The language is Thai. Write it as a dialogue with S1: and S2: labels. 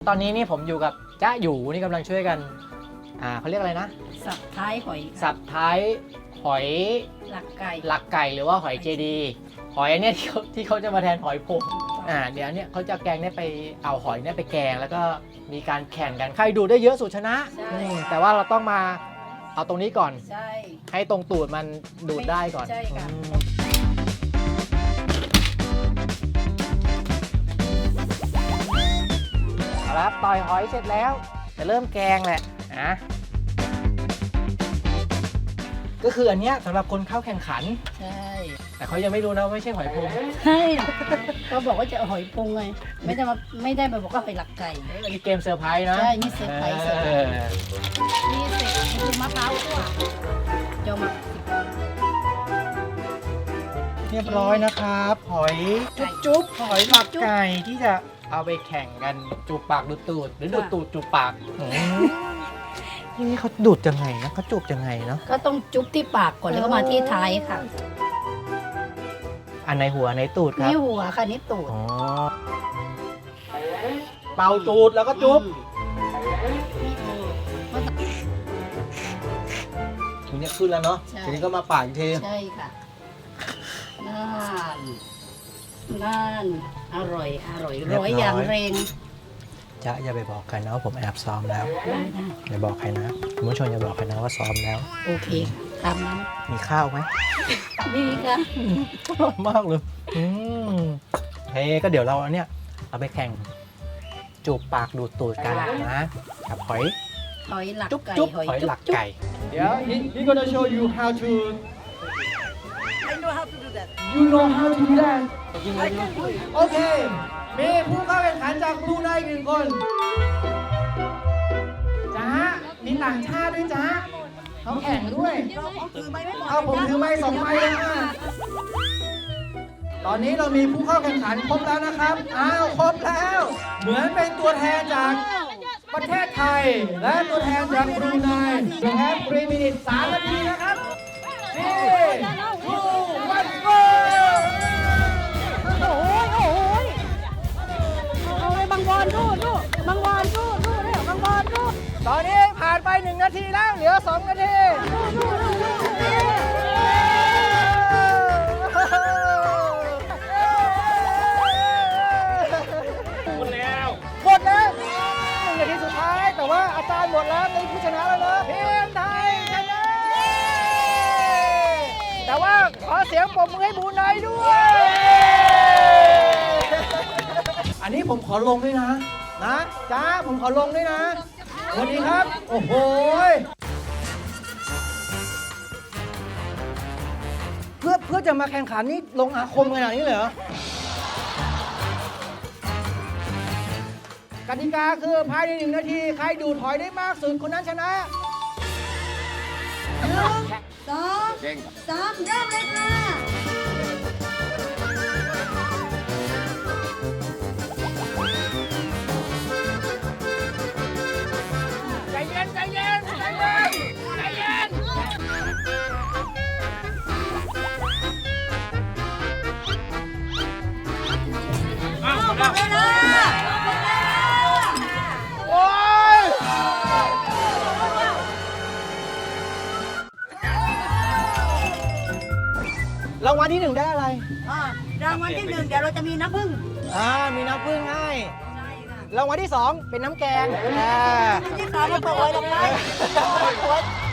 S1: ตอนนี้นี่ผมอยู่กับจ้าอยู่นี่กำลังช่วยกันเขาเรียกอะไรนะ
S2: สับท้ายหอย
S1: สับท้ายหอย
S2: หลักไก่
S1: หลักไก่หรือว่าหอยเจดีหอยอันเนี้ยที่เขาจะมาแทนหอยโพงเดี๋ยวเนี่ยเขาจะแกงเนี่ยไปเอาหอยเนี่ยไปแกงแล้วก็มีการแข่งกันใครดูได้เยอะสุดชนะแต่ว่าเราต้องมาเอาตรงนี้ก่อน
S2: ใช่
S1: ให้ตรงตูดมันดูดได้ก่อน
S2: ใช่ค่ะ
S1: เอาละต่อยหอยเสร็จแล้วจะเริ่มแกงแหละนะก็คืออันเนี้ยสำหรับคนเข้าแข่งขัน
S2: ใช่
S1: แต่เขายังไม่รู้นะว่าไม่ใช่หอยโพง
S2: ใช่ก็บอกว่าจะเอาหอยพุงไงไม่ได้มาบอกว่าหอยหลักไก่
S1: อันนี้เกมเซอร์ไพรส์นะ
S2: ใช่นี่เซอร์ไพรส์ นี่เสร็จนี่คือมะพร้าวคั่วเจ้ามา
S1: เรียบร้อยนะครับหอยจุ๊บหอยหลักไก่ที่จะเอาไปแข่งกันจูบปากดูดตูดหรือดูดตูดจูบปากนี่เขาดูดยังไงนะเขาจูบยังไงเนาะ
S2: ก็ต้องจุ๊บที่ปากก่อนแล้วก็มาที่ท้ายค่ะ
S1: อันในหัวในตูดครับ
S2: นี่หัวค่ะนี่ตูด
S1: อ๋อเป่าตูดแล้วก็จุ๊บทีนี้ขึ้นแล้วเนาะทีนี้ก็มาปากอีกที
S2: ใช่ค่ะนั่นอร่อยร้อยอย่างแรง
S1: จะอย่าไปบอกใครนะว่าผมแอบซ้อมแล้ว
S2: ได้
S1: อย่าบอกใครนะคุณผู้ชมอย่าบอกใครนะว่าซ้อมแล้ว
S2: โอเคตามนั้น
S1: มีข้าวไหม
S2: นี่ค่ะ
S1: อร่อยมากเลยเฮ้ก็เดี๋ยวเราอันเนี้ยเอาไปแข่งจูบปากดูดตูดกันนะกับหอย
S2: หอยหลัก
S1: จุ๊บ
S2: ไก่
S1: จุ๊บ
S2: หอย
S1: หอย
S2: จุ๊
S1: ห
S2: บ
S1: ลัก
S2: จุ๊บ
S1: ไก่เดี๋ยว he gonna show you how to
S3: I know how to do that.
S1: you know how to do that
S3: I can do it.
S1: โอเคมีผู้เข้าแข่งขันจากบรูไนอีกหนึ่งคนจ้ามีต่างชาติด้วยจ้าเขาแข่งด้วย เอาผมถือไม้สองไม้เลยนะตอนนี้เรามีผู้เข้าแข่งขันครบแล้วนะครับ อ้าวครบแล้ว เหมือนเป็นตัวแทนจากประเทศไทย และตัวแทนจากบรูไนแค่3 minutes 3 นาทีนะครับนี่ทูวันโก
S2: เอาเลยบางบอลดูบางบอลดูเนี่ยบางบอลดู
S1: ตอนนี้ผ่านไป1 นาทีแล้ว เหลือ 2 นาที หมดแล้ว1 นาทีสุดท้าย แต่ว่าอาจารย์หมดแล้วเป็นผู้ชนะแล้วนะทีมไทยชนะ แต่ว่าขอเสียงปรบมือให้บรูไนด้วย อันนี้ผมขอลงด้วยนะจ้าผมขอลงด้วยนะสวัสดีครับ โอ้โหเพื่อจะมาแข่งขันนี่ลงอาคมขนาดนี้เลยเหรอกติกาคือภายใน1 นาที ใครดูดหอยได้มากสุดคนนั้นชนะ
S2: 2 3เริ่มเลยค่ะ
S1: ใจเย็น โอ้ยรางวัลที่ 1 ได้อะไร
S3: รางวัลที่ 1 เดี๋ยวเราจะมีน้ำผึ้ง
S1: มีน้ำผึ้งให้
S3: ใช่ค่ะ
S1: รางวัลที่ 2 เป็นน้ำแกง
S3: ที่ 3มาเปิดไว้ลงไป